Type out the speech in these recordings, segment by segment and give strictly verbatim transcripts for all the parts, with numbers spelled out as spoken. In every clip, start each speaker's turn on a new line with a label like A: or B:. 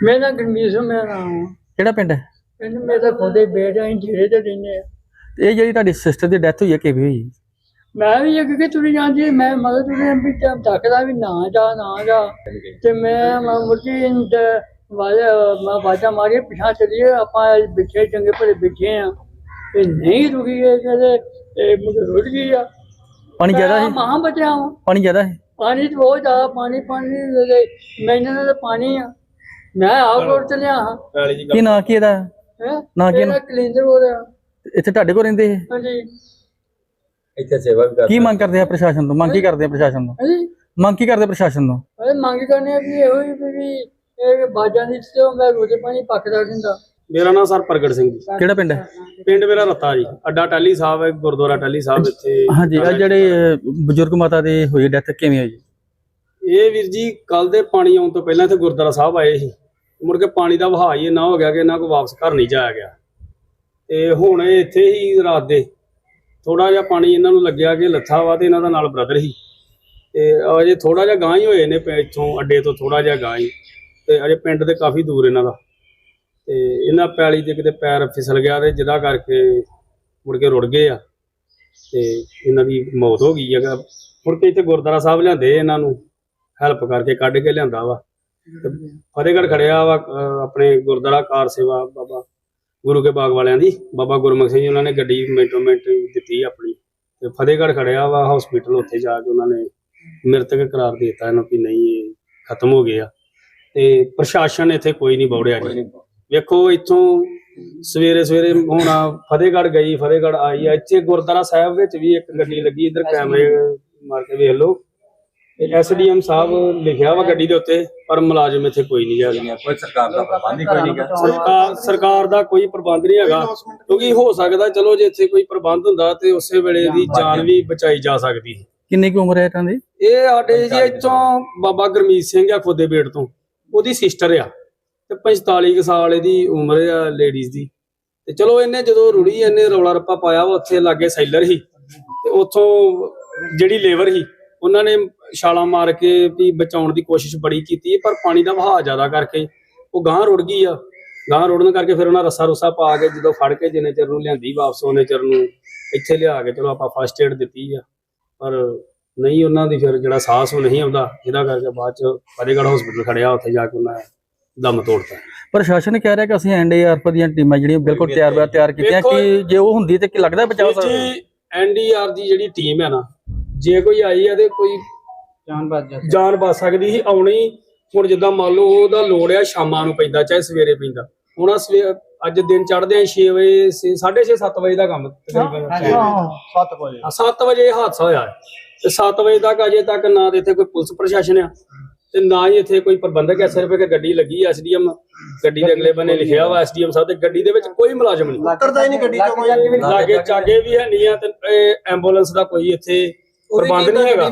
A: मेरा गणवीर सिंह मेरा नाम है।
B: ਕਿਹੜਾ ਪਿੰਡ ਹੈ?
A: पिंड मेरा खुदे बेटा ही झेड़े ते रहने आ।
B: ਤੇ ਇਹ ਜਿਹੜੀ ਤੁਹਾਡੀ ਸਿਸਟਰ ਦੀ ਡੈਥ ਹੋਈ ਹੈ ਕਿਵੇਂ ਹੋਈ?
A: मैं भी एक के तुरी जाती मैं मगर तुरी भी थकदा भी ना जा ना जा ते मैं मुर्गी वाले मैं बाजा मारी पिछा चलिए अपा बिछे चंगे भले बिछे हैं ते नहीं रुकी है कहते मुझे रुक गई आ।
B: ਪਾਣੀ ਜ਼ਿਆਦਾ ਹੈ?
A: महा बचा हूँ
B: ਪਾਣੀ ਜ਼ਿਆਦਾ ਹੈ?
A: पानी तो बहुत ज्यादा पानी पानी मैंने तो पानी आ मैं आप रोड चलिया हाँ
B: ਕੀ ਨਾਂ ਕੀ ਇਹਦਾ? ਨਾਂ ਕੀ?
A: कलिंदर हो रहा
B: ਇੱਥੇ ਤੁਹਾਡੇ ਕੋਲ ਰਹਿੰਦੇ ਇਹ?
A: हाँ जी
C: ਇੱਥੇ ਸੇਵਾ ਵੀ
B: ਕੀ ਮੰਗ ਕਰਦੇ ਆ ਪ੍ਰਸ਼ਾਸਨ ਤੋਂ? ਮੰਗ ਕੀ ਕਰਦੇ ਆ ਪ੍ਰਸ਼ਾਸਨ ਤੋਂ?
A: हाँ जी
B: ਮੰਗ ਕੀ ਕਰਦੇ ਪ੍ਰਸ਼ਾਸਨ ਤੋਂ?
A: अरे मांग करने भी ये हुई भी ये बाजा नहीं तो मैं रोजे पानी पकड़ा दिंदा।
D: ਮੇਰਾ ਨਾਮ ਸਰ ਪ੍ਰਗਟ ਸਿੰਘ ਜੀ।
B: ਕਿਹੜਾ ਪਿੰਡ ਹੈ?
D: ਪਿੰਡ ਮੇਰਾ ਰੱਤਾ ਜੀ। ਅੱਡਾ ਟਾਲੀ ਸਾਹਿਬ ਹੈ, ਗੁਰਦੁਆਰਾ ਟਾਲੀ ਸਾਹਿਬ ਇੱਥੇ।
B: ਹਾਂਜੀ ਆ ਜਿਹੜੇ ਅਹ, ਬਜ਼ੁਰਗ ਮਾਤਾ ਦੀ ਹੋਈ ਡੈਥ ਕਿਵੇਂ ਹੋਈ?
D: ਇਹ ਵੀਰ ਜੀ ਕੱਲ ਦੇ ਪਾਣੀ ਆਉਣ ਤੋਂ ਪਹਿਲਾਂ ਇੱਥੇ ਗੁਰਦੁਆਰਾ ਸਾਹਿਬ ਆਏ ਸੀ, ਮੁੜ ਕੇ ਪਾਣੀ ਦਾ ਵਹਾਅ ਹੀ ਇੰਨਾ ਹੋ ਗਿਆ ਕਿ ਇਹਨਾਂ ਕੋਲ ਵਾਪਸ ਘਰ ਨਹੀਂ ਜਾਇਆ ਗਿਆ ਤੇ ਹੁਣ ਇਹ ਇੱਥੇ ਹੀ ਰਾਤ ਦੇ ਥੋੜਾ ਜਿਹਾ ਪਾਣੀ ਇਹਨਾਂ ਨੂੰ ਲੱਗਿਆ ਕਿ ਲੱਥਾ ਵਾ ਤੇ ਇਹਨਾਂ ਦਾ ਨਾਲ ਬ੍ਰਦਰ ਸੀ ਤੇ ਅਜੇ ਥੋੜਾ ਜਿਹਾ ਗਾਂ ਹੀ ਹੋਏ ਨੇ ਇੱਥੋਂ ਅੱਡੇ ਤੋਂ ਥੋੜਾ ਜਿਹਾ ਗਾਂ ਹੀ ਤੇ ਅਜੇ ਪਿੰਡ ਦੇ ਕਾਫੀ ਦੂਰ ਇਹਨਾਂ ਦਾ ਤੇ ਇਹਨਾਂ ਪੈਲੀ ਤੇ ਕਿਤੇ ਪੈਰ ਫਿਸਲ ਗਿਆ ਤੇ ਜਿਹਦਾ ਕਰਕੇ ਮੁੜ ਕੇ ਰੁੜ ਗਏ ਆ ਤੇ ਇਹਨਾਂ ਦੀ ਮੌਤ ਹੋ ਗਈ ਹੈਗਾ। ਮੁੜ ਕੇ ਇੱਥੇ ਗੁਰਦੁਆਰਾ ਸਾਹਿਬ ਲਿਆਂਦੇ ਇਹਨਾਂ ਨੂੰ ਹੈਲਪ ਕਰਕੇ ਕੱਢ ਕੇ ਲਿਆਂਦਾ ਵਾ ਤੇ ਫਤਿਹਗੜ੍ਹ ਖੜਿਆ ਵਾ ਅਹ ਆਪਣੇ ਗੁਰਦੁਆਰਾ ਕਾਰ ਸੇਵਾ ਬਾਬਾ ਗੁਰੂ ਕੇ ਬਾਗ ਵਾਲਿਆਂ ਦੀ ਬਾਬਾ ਗੁਰਮੁਖ ਸਿੰਘ ਜੀ ਉਹਨਾਂ ਨੇ ਗੱਡੀ ਮਿੰਟੋ ਮਿੰਟ ਦਿੱਤੀ ਆਪਣੀ ਤੇ ਫਤਿਹਗੜ੍ਹ ਖੜਿਆ ਵਾ ਹਸਪੀਟਲ ਉੱਥੇ ਜਾ ਕੇ ਉਹਨਾਂ ਨੇ ਮ੍ਰਿਤਕ ਕਰਾਰ ਦੇ ਦਿੱਤਾ ਇਹਨਾਂ ਵੀ ਨਹੀਂ ਇਹ ਖਤਮ ਹੋ ਗਏ ਆ ਤੇ ਪ੍ਰਸ਼ਾਸਨ ਇੱਥੇ ਕੋਈ ਨਹੀਂ ਬੌੜਿਆ ਜੀ। ਵੇਖੋ ਇੱਥੋਂ ਸਵੇਰੇ ਸਵੇਰੇ ਹੁਣ ਫਤਿਹਗੜ੍ਹ ਗਈ ਫਤਿਹਗੜ੍ਹ ਆਈ ਆ ਇੱਥੇ ਗੁਰਦੁਆਰਾ ਸਾਹਿਬ ਵਿੱਚ ਵੀ ਇੱਕ ਗੱਡੀ ਲੱਗੀ ਇੱਧਰ ਕੈਮਰੇ ਮਾਰ ਕੇ ਵੇਖ ਲਓ ਐਸ ਡੀ ਐਮ ਸਾਹਿਬ ਲਿਖਿਆ ਵਾ ਗੱਡੀ ਦੇ ਉੱਤੇ ਪਰ ਮੁਲਾਜ਼ਮ ਇੱਥੇ ਕੋਈ ਨਹੀਂ ਹੈਗਾ।
C: ਕੋਈ ਸਰਕਾਰ ਦਾ ਪ੍ਰਬੰਧ ਹੀ ਕੋਈ ਨਹੀਂ ਗਾ।
D: ਸਰਕਾਰ ਸਰਕਾਰ ਦਾ ਕੋਈ ਪ੍ਰਬੰਧ ਨਹੀਂ ਹੈਗਾ ਕਿਉਂਕਿ ਹੋ ਸਕਦਾ ਚਲੋ ਜੇ ਇੱਥੇ ਕੋਈ ਪ੍ਰਬੰਧ ਹੁੰਦਾ ਤੇ ਉਸੇ ਵੇਲੇ ਦੀ ਜਾਨ ਵੀ ਬਚਾਈ ਜਾ ਸਕਦੀ।
B: ਕਿੰਨੀ ਕੁ ਉਮਰ ਹੈ ਇਹਨਾਂ ਦੀ?
D: ਇਹ ਸਾਡੇ ਜੀ ਇੱਥੋਂ ਬਾਬਾ ਗੁਰਮੀਤ ਸਿੰਘ ਆ ਖੁੱਦੇ ਬੇੜ ਤੋਂ ਉਹਦੀ ਸਿਸਟਰ ਆ ਤੇ ਪੰਤਾਲੀ ਕੁ ਸਾਲ ਇਹਦੀ ਉਮਰ ਆ ਲੇਡੀਜ਼ ਦੀ ਤੇ ਚਲੋ ਇਹਨੇ ਜਦੋਂ ਰੁੜੀ ਇਹਨੇ ਰੌਲਾ ਰੱਪਾ ਪਾਇਆ ਵਾ ਉੱਥੇ ਲਾਗੇ ਸੈਲਰ ਸੀ ਤੇ ਉੱਥੋਂ ਜਿਹੜੀ ਲੇਬਰ ਸੀ ਉਹਨਾਂ ਨੇ ਛਾਲਾਂ ਮਾਰ ਕੇ ਵੀ ਬਚਾਉਣ ਦੀ ਕੋਸ਼ਿਸ਼ ਬੜੀ ਕੀਤੀ ਪਰ ਪਾਣੀ ਦਾ ਵਹਾਅ ਜ਼ਿਆਦਾ ਕਰਕੇ ਉਹ ਗਾਂਹ ਰੁੜ ਗਈ ਆ। ਗਾਂਹ ਰੁੜਨ ਕਰਕੇ ਫਿਰ ਉਹਨਾਂ ਰੱਸਾ ਰੁੱਸਾ ਪਾ ਕੇ ਜਦੋਂ ਫੜ ਕੇ ਜਿੰਨੇ ਚਿਰ ਨੂੰ ਲਿਆਂਦੀ ਵਾਪਸ ਉਹਨੇ ਚਿਰ ਨੂੰ ਇੱਥੇ ਲਿਆ ਕੇ ਚਲੋ ਆਪਾਂ ਫਸਟ ਏਡ ਦਿੱਤੀ ਆ ਪਰ ਨਹੀਂ ਉਹਨਾਂ ਦੀ ਫਿਰ ਜਿਹੜਾ ਸਾਹਸ ਉਹ ਨਹੀਂ ਆਉਂਦਾ ਜਿਹਦਾ ਕਰਕੇ ਬਾਅਦ ਚ ਫਤਿਹਗੜ੍ਹ ਹਸਪੀਟਲ ਖੜਿਆ ਉੱਥੇ ਜਾ ਕੇ ਉਹਨਾਂ ਦਮ ਤੋੜਤਾ।
B: ਪ੍ਰਸ਼ਾਸਨ ਕਹਿ ਰਿਹਾ ਕਿ ਅਸੀਂ ਐਨ ਡੀ ਆਰ ਐਫ ਦੀਆਂ ਟੀਮਾਂ ਜਿਹੜੀਆਂ ਬਿਲਕੁਲ ਤਿਆਰ ਬਰ ਤਿਆਰ ਕੀਤੀਆਂ ਕਿ ਜੇ ਉਹ ਹੁੰਦੀ ਤੇ ਕੀ ਲੱਗਦਾ ਬਚਾਅ ਸਕਦਾ?
D: ਐਨ ਡੀ ਆਰ ਦੀ ਜਿਹੜੀ ਟੀਮ ਹੈ ਨਾ ਜੇ ਕੋਈ ਆਈ ਆ ਤੇ ਕੋਈ
A: जान बात जा
D: ਜਾਨ ਬਚ ਸਕਦੀ ਸੀ ਆਉਣੀ। ਹੁਣ ਜਿੱਦਾਂ ਮੰਨ ਲਓ ਉਹਦਾ ਲੋੜ ਆ ਸ਼ਾਮਾਂ ਨੂੰ ਪੈਂਦਾ ਚਾਹੇ ਸਵੇਰੇ ਪੈਂਦਾ ਹੁਣ ਸਵੇਰ ਅੱਜ ਦਿਨ ਚੜ੍ਹਦੇ ਆ ਛੇ ਵਜੇ ਸਾਢੇ ਛੇ ਸੱਤ ਵਜੇ ਦਾ ਕੰਮ ਤਕਰੀਬਨ
A: सात बजे
D: ਸੱਤ ਵਜੇ ਇਹ ਹਾਦਸਾ ਹੋਇਆ ਹੈ ਤੇ ਸੱਤ ਵਜੇ ਤੱਕ ਅਜੇ ਤੱਕ ਨਾ ਤੇ ਇੱਥੇ ਕੋਈ ਪੁਲਿਸ ਪ੍ਰਸ਼ਾਸਨ ਆ ਤੇ ਨਾ ਹੀ ਇੱਥੇ ਕੋਈ ਪ੍ਰਬੰਧਕ ਹੈ। ਸਿਰਫ ਇੱਕ ਗੱਡੀ ਲੱਗੀ ਐਸ ਡੀ ਐਮ ਗੱਡੀ ਦੇ ਅਗਲੇ ਬੰਨੇ ਲਿਖਿਆ ਵਾ ਐਸ ਡੀ ਐਮ ਸਾਹਿਬ ਤੇ ਗੱਡੀ ਦੇ ਵਿੱਚ ਕੋਈ ਮੁਲਾਜ਼ਮ ਨਹੀਂ
A: उतरता ही नहीं गड्डी चों कोई
D: ਲਾਗੇ ਚਾਗੇ ਵੀ ਹੈ ਨਹੀਂ ਆ ਤੇ ਐਂਬੂਲੈਂਸ ਦਾ ਕੋਈ ਇੱਥੇ ਪ੍ਰਬੰਧ ਨਹੀਂ ਹੈਗਾ।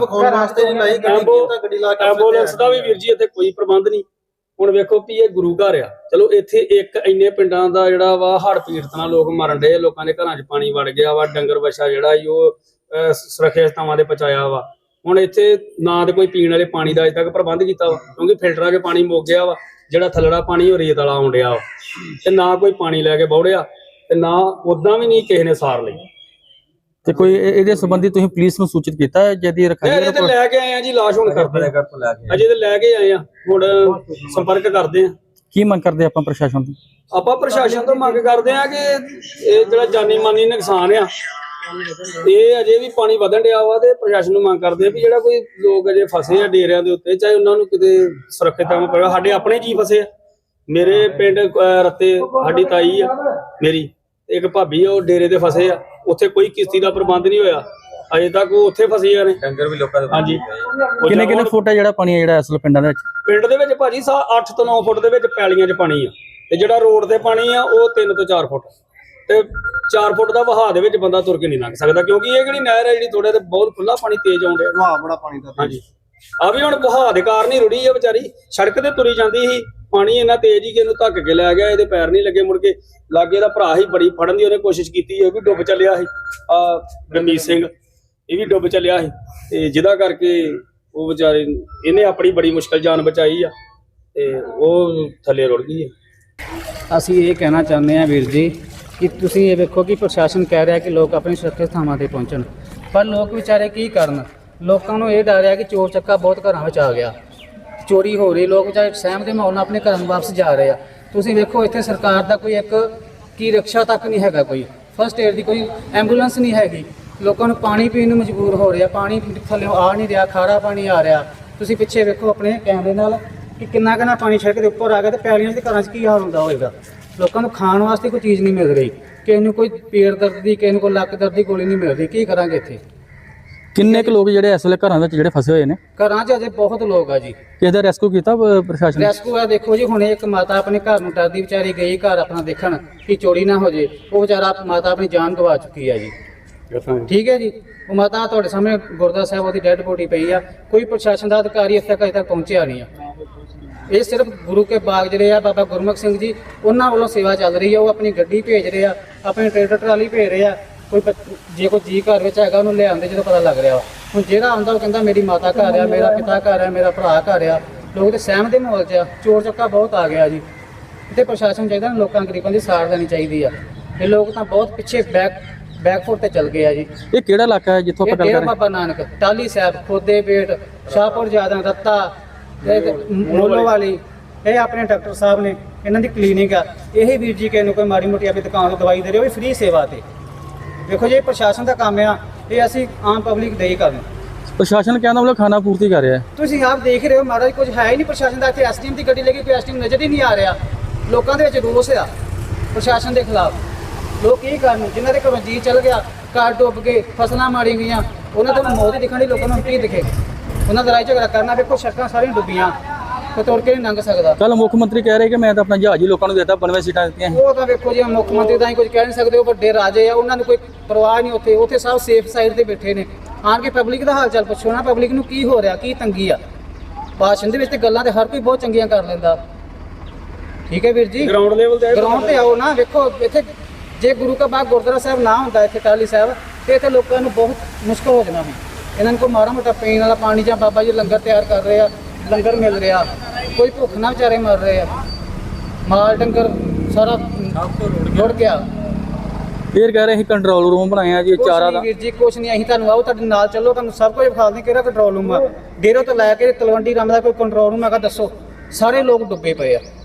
D: ਐਂਬੂਲੈਂਸ ਦਾ ਵੀ ਵੀਰ ਜੀ ਇੱਥੇ ਕੋਈ ਪ੍ਰਬੰਧ ਨਹੀਂ। ਹੁਣ ਵੇਖੋ ਵੀ ਇਹ ਗੁਰੂ ਘਰ ਆ ਚਲੋ ਇੱਥੇ ਇੱਕ ਇੰਨੇ ਪਿੰਡਾਂ ਦਾ ਜਿਹੜਾ ਵਾ ਹੜ੍ਹ ਪੀੜਤ ਨਾਲ ਲੋਕ ਮਰਨ ਡਏ ਲੋਕਾਂ ਦੇ ਘਰਾਂ 'ਚ ਪਾਣੀ ਵੜ ਗਿਆ ਵਾ ਡੰਗਰ ਵੱਛਾ ਜਿਹੜਾ ਸੀ ਉਹ ਸੁਰੱਖਿਅਤ ਥਾਵਾਂ ਤੇ ਪਹੁੰਚਾਇਆ ਵਾ। ਹੁਣ ਇੱਥੇ ਨਾ ਤੇ ਕੋਈ ਪੀਣ ਵਾਲੇ ਪਾਣੀ ਦਾ ਅਜੇ ਤੱਕ ਪ੍ਰਬੰਧ ਕੀਤਾ ਵਾ ਕਿਉਂਕਿ ਫਿਲਟਰਾਂ 'ਚ ਪਾਣੀ ਮੁੱਕ ਗਿਆ ਵਾ ਜਿਹੜਾ ਥੱਲੜਾ ਪਾਣੀ ਉਹ ਰੇਤ ਵਾਲਾ ਆਉਣ ਡਿਆ ਵਾ ਤੇ ਨਾ ਕੋਈ ਪਾਣੀ ਲੈ ਕੇ ਬੌੜਿਆ ਤੇ ਨਾ ਉਦਾਂ ਵੀ ਨਹੀਂ ਕਿਸੇ ਨੇ ਸਾਰ ਲਈ।
B: ਤੇ ਕੋਈ ਇਹ- ਇਹਦੇ ਸੰਬੰਧੀ ਤੁਸੀਂ ਪੁਲਿਸ ਨੂੰ ਸੂਚਿਤ ਕੀਤਾ ਹੈ ਜਿਹਦੀ ਰਖਾਈ
D: ਅਜੇ ਤੇ ਲੈ ਕੇ ਆਏ ਆ ਜੀ ਲਾਸ਼ ਹੁਣ ਕਰਦੇ ਆ ਅਜੇ ਤੇ ਲੈ ਕੇ ਆਏ ਆ ਹੁਣ ਸੰਪਰਕ ਕਰਦੇ ਆ।
B: ਕੀ ਮੰਗ ਕਰਦੇ ਆਪਾਂ ਪ੍ਰਸ਼ਾਸਨ ਤੋਂ?
D: ਆਪਾਂ ਪ੍ਰਸ਼ਾਸਨ ਤੋਂ ਮੰਗ ਕਰਦੇ ਆ ਕਿ ਇਹ ਜਿਹੜਾ ਜਾਨੀ ਮਾਨੀ ਨੁਕਸਾਨ ਆ ਇਹ ਅਜੇ ਵੀ ਪਾਣੀ ਵਧਣ ਡਿਆ ਵਾ ਤੇ ਪ੍ਰਸ਼ਾਸਨ ਨੂੰ ਮੰਗ ਕਰਦੇ ਆ ਵੀ ਜਿਹੜਾ ਕੋਈ ਲੋਕ ਅਜੇ ਫਸੇ ਆ ਡੇਰਿਆਂ ਦੇ ਉੱਤੇ ਚਾਹੇ ਉਹਨਾਂ ਨੂੰ ਕਿਤੇ ਸੁਰੱਖਿਅਤ ਥਾਂ ਪਵੇ। ਸਾਡੇ ਆਪਣੇ ਜੀ ਫਸੇ ਆ ਮੇਰੇ ਪਿੰਡ ਅਹ ਰੱਤੇ ਸਾਡੀ ਤਾਈ ਆ ਮੇਰੀ ਇੱਕ ਭਾਬੀ ਆ ਉਹ ਡੇਰੇ ਦੇ ਫਸੇ ਆ ਉੱਥੇ ਕੋਈ ਕਿਸ਼ਤੀ ਦਾ ਪ੍ਰਬੰਧ ਨਹੀਂ ਹੋਇਆ ਅਜੇ ਤੱਕ ਉਹ ਉੱਥੇ ਫਸੇ ਆ ਨੇ
C: ਡੰਗਰ ਵੀ ਲੋਕਾਂ ਦੇ
D: ਹਾਂਜੀ।
B: ਕਿੰਨੇ ਕਿੰਨੇ ਫੁੱਟ ਹੈ ਜਿਹੜਾ ਪਾਣੀ ਹੈ ਜਿਹੜਾ ਅਸਲ ਪਿੰਡਾਂ ਦੇ ਵਿੱਚ?
D: ਪਿੰਡ ਦੇ ਵਿੱਚ ਭਾਜੀ ਸਾ ਅੱਠ ਤੋਂ ਨੌ ਫੁੱਟ ਦੇ ਵਿੱਚ ਪੈਲੀਆਂ 'ਚ ਪਾਣੀ ਆ ਤੇ ਜਿਹੜਾ ਰੋਡ ਤੇ ਪਾਣੀ ਆ ਉਹ ਤਿੰਨ ਤੋਂ ਚਾਰ ਫੁੱਟ ਤੇ ਚਾਰ ਫੁੱਟ ਦਾ ਵਹਾਅ ਦੇ ਵਿੱਚ ਬੰਦਾ ਤੁਰ ਕੇ ਨਹੀਂ ਲੰਘ ਸਕਦਾ ਕਿਉਂਕਿ ਇਹ ਜਿਹੜੀ ਨਹਿਰ ਹੈ ਜਿਹੜੀ ਥੋੜੇ ਤੇ ਬਹੁਤ ਖੁੱਲਾ ਪਾਣੀ ਤੇਜ਼ ਆਉਣ ਡਿਆ
A: वहां बड़ा पानी था
D: ਹਾਂਜੀ ਆ ਵੀ ਹੁਣ ਵਹਾਅ ਦੇ ਕਾਰਨ ਹੀ ਰੁੜੀ ਆ ਵਿਚਾਰੀ ਸੜਕ ਤੇ ਤੁਰੀ ਜਾਂਦੀ ਸੀ ਪਾਣੀ ਇੰਨਾ ਤੇਜ਼ ਹੀ ਕਿ ਇਹਨੂੰ ਧੱਕ ਕੇ ਲੈ ਗਿਆ ਇਹਦੇ ਪੈਰ ਨਹੀਂ ਲੱਗੇ ਮੁੜ ਕੇ ਲਾਗੇ ਦਾ ਭਰਾ ਹੀ ਬੜੀ ਫੜਨ ਦੀ ਉਹਨੇ ਕੋਸ਼ਿਸ਼ ਕੀਤੀ ਇਹ ਵੀ ਡੁੱਬ ਚੱਲਿਆ ਸੀ ਆ ਗੁਰਮੀਤ ਸਿੰਘ ਇਹ ਵੀ ਡੁੱਬ ਚੱਲਿਆ ਸੀ ਤੇ ਜਿਹਦਾ ਕਰਕੇ ਉਹ ਵਿਚਾਰੇ ਇਹਨੇ ਆਪਣੀ ਬੜੀ ਮੁਸ਼ਕਲ ਜਾਨ ਬਚਾਈ ਆ ਤੇ ਉਹ ਥੱਲੇ ਰੁੜ ਗਈ ਹੈ।
E: ਅਸੀਂ ਇਹ ਕਹਿਣਾ ਚਾਹੁੰਦੇ ਹਾਂ ਵੀਰ ਜੀ ਕਿ ਤੁਸੀਂ ਇਹ ਵੇਖੋ ਕਿ ਪ੍ਰਸ਼ਾਸਨ ਕਹਿ ਰਿਹਾ ਕਿ ਲੋਕ ਆਪਣੀ ਸੁਰੱਖਿਅਤ ਥਾਵਾਂ ਤੇ ਪਹੁੰਚਣ, ਪਰ ਲੋਕ ਵਿਚਾਰੇ ਕੀ ਕਰਨ। ਲੋਕਾਂ ਨੂੰ ਇਹ ਡਰ ਹੈ ਕਿ ਚੋਰ ਚੱਕਾ ਬਹੁਤ ਘਰਾਂ ਵਿੱਚ ਆ ਗਿਆ, ਚੋਰੀ ਹੋ ਰਹੀ, ਲੋਕ ਵਿਚਾਰੇ ਸਹਿਮ ਦੇ ਮਾਹੌਲ ਨਾਲ ਆਪਣੇ ਘਰਾਂ ਨੂੰ ਵਾਪਸ ਜਾ ਰਹੇ ਆ। ਤੁਸੀਂ ਵੇਖੋ ਇੱਥੇ ਸਰਕਾਰ ਦਾ ਕੋਈ ਇੱਕ ਕੀ ਰਿਕਸ਼ਾ ਤੱਕ ਨਹੀਂ ਹੈਗਾ, ਕੋਈ ਫਸਟ ਏਡ ਦੀ ਕੋਈ ਐਂਬੂਲੈਂਸ ਨਹੀਂ ਹੈਗੀ। ਲੋਕਾਂ ਨੂੰ ਪਾਣੀ ਪੀਣ ਨੂੰ ਮਜਬੂਰ ਹੋ ਰਿਹਾ, ਪਾਣੀ ਥੱਲੇ ਆ ਨਹੀਂ ਰਿਹਾ, ਖਾਰਾ ਪਾਣੀ ਆ ਰਿਹਾ। ਤੁਸੀਂ ਪਿੱਛੇ ਵੇਖੋ ਆਪਣੇ ਕੈਮਰੇ ਨਾਲ ਕਿ ਕਿੰਨਾ ਕਿੰਨਾ ਪਾਣੀ ਸੜਕ ਦੇ ਉੱਪਰ ਆ ਗਿਆ, ਤੇ ਪੈਲੀਆਂ ਦੇ ਘਰਾਂ 'ਚ ਕੀ ਹਾਲ ਹੁੰਦਾ ਹੋਵੇਗਾ। ਲੋਕਾਂ ਨੂੰ ਖਾਣ ਵਾਸਤੇ ਕੋਈ ਚੀਜ਼ ਨਹੀਂ ਮਿਲ ਰਹੀ, ਕਿਸੇ ਨੂੰ ਕੋਈ ਪੇਟ ਦਰਦ ਦੀ, ਕਿਸੇ ਨੂੰ ਕੋਈ ਲੱਕ ਦਰਦ ਦੀ ਗੋਲੀ ਨਹੀਂ ਮਿਲ ਰਹੀ। ਕੀ ਕਰਾਂਗੇ ਇੱਥੇ?
B: ਕਿੰਨੇ ਕੁ ਲੋਕ ਜਿਹੜੇ ਇਸ ਵੇਲੇ ਘਰਾਂ ਵਿੱਚ ਜਿਹੜੇ ਫਸੇ ਹੋਏ ਨੇ?
E: ਘਰਾਂ 'ਚ ਅਜੇ ਬਹੁਤ ਲੋਕ ਆ ਜੀ।
B: ਕਿਸੇ ਦਾ ਰੈਸਕਿਊ ਕੀਤਾ ਅਹ, ਪ੍ਰਸ਼ਾਸਨ ਨੇ?
E: ਰੈਸਕਿਊ ਆ ਦੇਖੋ ਜੀ, ਹੁਣੇ ਇੱਕ ਮਾਤਾ ਆਪਣੇ ਘਰ ਨੂੰ ਡਰਦੀ ਵਿਚਾਰੀ ਗਈ ਘਰ ਆਪਣਾ ਦੇਖਣ ਕਿ ਚੋਰੀ ਨਾ ਹੋ ਜੇ। ਉਹ ਵਿਚਾਰਾ ਮਾਤਾ ਆਪਣੀ ਜਾਨ ਗਵਾ ਚੁੱਕੀ ਆ ਜੀ। ਠੀਕ ਹੈ ਜੀ, ਉਹ ਮਾਤਾ ਤੁਹਾਡੇ ਸਾਹਮਣੇ ਗੁਰਦੁਆਰਾ ਸਾਹਿਬ ਉਹਦੀ ਡੈੱਡ ਬੋਡੀ ਪਈ ਆ। ਕੋਈ ਪ੍ਰਸ਼ਾਸਨ ਦਾ ਅਧਿਕਾਰੀ ਇੱਥੇ ਤੱਕ ਅਜੇ ਤੱਕ ਪਹੁੰਚਿਆ ਨਹੀਂ ਆ। ਇਹ ਸਿਰਫ ਗੁਰੂ ਕੇ ਬਾਗ ਜਿਹੜੇ ਆ ਬਾਬਾ ਗੁਰਮੁਖ ਸਿੰਘ ਜੀ ਉਹਨਾਂ ਵੱਲੋਂ ਸੇਵਾ ਚੱਲ ਰਹੀ ਆ। ਉਹ ਆਪਣੀ ਗੱਡੀ ਭੇਜ ਰਹੇ ਆ, ਆਪਣੀ ਟਰੈਕਟਰ ਟਰਾਲੀ ਭੇਜ ਰਹੇ ਆ। ਕੋਈ ਬੱਚ- ਜੇ ਕੋਈ ਜੀ ਘਰ ਵਿੱਚ ਹੈਗਾ ਉਹਨੂੰ ਲਿਆਉਂਦੇ ਜਦੋਂ ਪਤਾ ਲੱਗ ਰਿਹਾ ਵਾ। ਹੁਣ ਜਿਹੜਾ ਆਉਂਦਾ ਉਹ ਕਹਿੰਦਾ ਮੇਰੀ ਮਾਤਾ ਘਰ ਆ, ਮੇਰਾ ਪਿਤਾ ਘਰ ਆ, ਮੇਰਾ ਭਰਾ ਘਰ ਆ। ਲੋਕ ਤੇ ਸਹਿਮ ਦੇ ਮਾਹੌਲ 'ਚ ਆ, ਚੋਰ ਚੱਕਾ ਬਹੁਤ ਆ ਗਿਆ ਜੀ। ਇੱਥੇ ਪ੍ਰਸ਼ਾਸਨ ਚਾਹੀਦਾ ਨਾ, ਲੋਕਾਂ ਗਰੀਬਾਂ ਦੀ ਸਾਰ ਦੇਣੀ ਚਾਹੀਦੀ ਆ। ਇਹ ਲੋਕ ਤਾਂ ਬਹੁਤ ਪਿੱਛੇ ਬੈਕ ਬੈਕਫੁੱਟ ਤੇ ਚੱਲ ਗਏ ਆ ਜੀ।
B: ਇਹ ਕਿਹੜਾ ਇਲਾਕਾ ਹੈ ਜਿੱਥੋਂ
E: ਇਹ
B: ਆਪਾਂ ਗੱਲ
E: ਡੇਰਾ
B: ਕਰ ਰਹੇ
E: ਬਾਬਾ ਨਾਨਕ, ਟਾਹਲੀ ਸਾਹਿਬ, ਖੋਦੇ ਪੇਟ, ਸ਼ਾਹਪੁਰ ਜ਼ਿਆਦਾ, ਰੱਤਾ, ਇਹ ਮੋਲੋ ਵਾਲੀ, ਇਹ ਆਪਣੇ ਡਾਕਟਰ ਸਾਹਿਬ ਨੇ, ਇਹਨਾਂ ਦੀ ਕਲੀਨਿਕ ਆ। ਇਹ ਵੀਰ ਜੀ ਕਿਸੇ ਨੂੰ ਕੋਈ ਮਾੜੀ ਮੋਟੀ ਆਪਣੀ ਦੁਕਾਨ ਤੋਂ ਦਵਾਈ ਦੇ ਰਹੇ, ਉਹ ਵੀ ਫ੍ਰੀ ਸੇਵਾ ਤੇ। ਦੇਖੋ ਜੀ, ਇਹ ਪ੍ਰਸ਼ਾਸਨ ਦਾ ਕੰਮ ਆ, ਇਹ ਅਸੀਂ ਆਮ ਪਬਲਿਕ ਦੇ ਹੀ ਕਰਨ।
B: ਪ੍ਰਸ਼ਾਸਨ ਕਹਿੰਦਾ ਮਤਲਬ ਖਾਣਾ ਪੂਰਤੀ ਕਰ ਰਿਹਾ ਹੈ।
E: ਤੁਸੀਂ ਆਪ ਦੇਖ ਰਹੇ ਹੋ ਮਹਾਰਾਜ, ਕੁਝ ਹੈ ਹੀ ਨਹੀਂ ਪ੍ਰਸ਼ਾਸਨ ਦਾ। ਇੱਥੇ ਐਸਡੀਐਮ ਦੀ ਗੱਡੀ ਲੱਗੀ, ਕੋਈ ਐਸਡੀਐਮ ਨਜ਼ਰ ਹੀ ਨਹੀਂ ਆ ਰਿਹਾ। ਲੋਕਾਂ ਦੇ ਵਿੱਚ ਰੋਸ ਆ ਪ੍ਰਸ਼ਾਸਨ ਦੇ ਖਿਲਾਫ। ਲੋਕ ਕੀ ਕਰਨ? ਜਿਨ੍ਹਾਂ ਦੇ ਘਰੋਂ ਜੀ ਚੱਲ ਗਿਆ, ਘਰ ਡੁੱਬ ਗਏ, ਫਸਲਾਂ ਮਾਰੀ ਗਈਆਂ, ਉਹਨਾਂ ਤੋਂ ਮੌਤ ਹੀ ਦਿਖਣ ਦੀ। ਲੋਕਾਂ ਨੂੰ ਕੀ ਦਿਖੇ? ਉਹਨਾਂ ਦਾ ਲੜਾਈ ਝਗੜਾ ਕਰਨਾ। ਵੇਖੋ ਸੜਕਾਂ ਸਾਰੀਆਂ ਡੁੱਬੀਆਂ, ਕੋਈ ਤੁਰ ਕੇ ਨਹੀਂ ਲੰਘ ਸਕਦਾ।
B: ਕੱਲ ਮੁੱਖ ਮੰਤਰੀ ਕਹਿ ਰਹੇ ਕਿ ਮੈਂ ਤਾਂ ਆਪਣਾ ਜਹਾਜ਼ ਹੀ ਲੋਕਾਂ ਨੂੰ ਦੇਤਾ, ਬਣਵੇਂ ਸੀਟਾਂ ਦਿੱਤੀਆਂ।
E: ਉਹ ਤਾਂ ਵੇਖੋ ਜੀ, ਮੁੱਖ ਮੰਤਰੀ ਤਾਂ ਹੀ ਕੁਝ ਕਹਿ ਨਹੀਂ ਸਕਦੇ। ਉਹ ਵੱਡੇ ਰਾਜੇ ਆ, ਉਹਨਾਂ ਨੂੰ ਕੋਈ ਪਰਵਾਹ ਨਹੀਂ। ਉੱਥੇ ਉੱਥੇ ਸਭ ਸੇਫ ਸਾਈਡ ਤੇ ਬੈਠੇ ਨੇ। ਆਣ ਕੇ ਪਬਲਿਕ ਦਾ ਹਾਲ ਚਾਲ ਪੁੱਛੋ ਨਾ, ਪਬਲਿਕ ਨੂੰ ਕੀ ਹੋ ਰਿਹਾ, ਕੀ ਤੰਗੀ ਆ। ਭਾਸ਼ਣ ਦੇ ਵਿੱਚ ਤੇ ਗੱਲਾਂ ਤੇ ਹਰ ਕੋਈ ਬਹੁਤ ਚੰਗੀਆਂ ਕਰ ਲੈਂਦਾ। ਠੀਕ ਹੈ ਵੀਰ ਜੀ,
D: ਗਰਾਊਂਡ ਲੈਵਲ ਤੇ
E: ਗਰਾਊਂਡ ਤੇ ਆਓ ਨਾ। ਵੇਖੋ ਇੱਥੇ ਜੇ ਗੁਰੂ ਕਾ ਬਾਗ ਗੁਰਦੁਆਰਾ ਸਾਹਿਬ ਨਾ ਹੁੰਦਾ ਇੱਥੇ ਟਾਹਲੀ ਸਾਹਿਬ, ਤੇ ਇੱਥੇ ਲੋਕਾਂ ਨੂੰ ਬਹੁਤ ਮੁਸ਼ਕਲ ਹੋ ਜਾਣਾ ਸੀ। ਇਹਨਾਂ ਨੂੰ ਕੋਈ ਮਾੜਾ ਮੋਟਾ ਪੀਣ ਵਾਲਾ ਪਾਣੀ ਜਾਂ ਬਾਬਾ ਜੀ ਲੰਗਰ ਤਿਆਰ ਕਰ ਰਹੇ ਆ, ਲੰਗਰ ਮਿਲ ਰਿਹਾ, ਕੋਈ ਭੁੱਖ ਨਾ ਵਿਚਾਰੇ ਮਰ ਰਹੇ ਆ। ਮਾਲ ਡੰਗਰ ਸਾਰਾ ਰੁੜ ਗਿਆ।
B: ਫੇਰ ਕਹਿ ਰਹੇ ਅਸੀਂ ਕੰਟਰੋਲ ਰੂਮ ਬਣਾਇਆ ਜੀ,
E: ਕੁਛ
B: ਚਾਰਾ
E: ਨਹੀਂ
B: ਦਾ।
E: ਵੀਰ ਜੀ, ਕੁਛ ਨਹੀਂ। ਅਸੀਂ ਤੁਹਾਨੂੰ ਆਓ, ਤੁਹਾਡੇ ਨਾਲ ਚੱਲੋ, ਤੁਹਾਨੂੰ ਸਭ ਕੁਝ ਵਿਖਾ ਦਿੰਦੇ ਕਿਹੜਾ ਕੰਟਰੋਲ ਰੂਮ ਆ। ਡੇਰੋ ਤੋਂ ਲੈ ਕੇ ਤਲਵੰਡੀ ਰਾਮ ਦਾ ਕੋਈ ਕੰਟਰੋਲ ਰੂਮ ਹੈਗਾ ਦੱਸੋ? ਸਾਰੇ ਲੋਕ ਡੁੱਬੇ ਪਏ ਆ।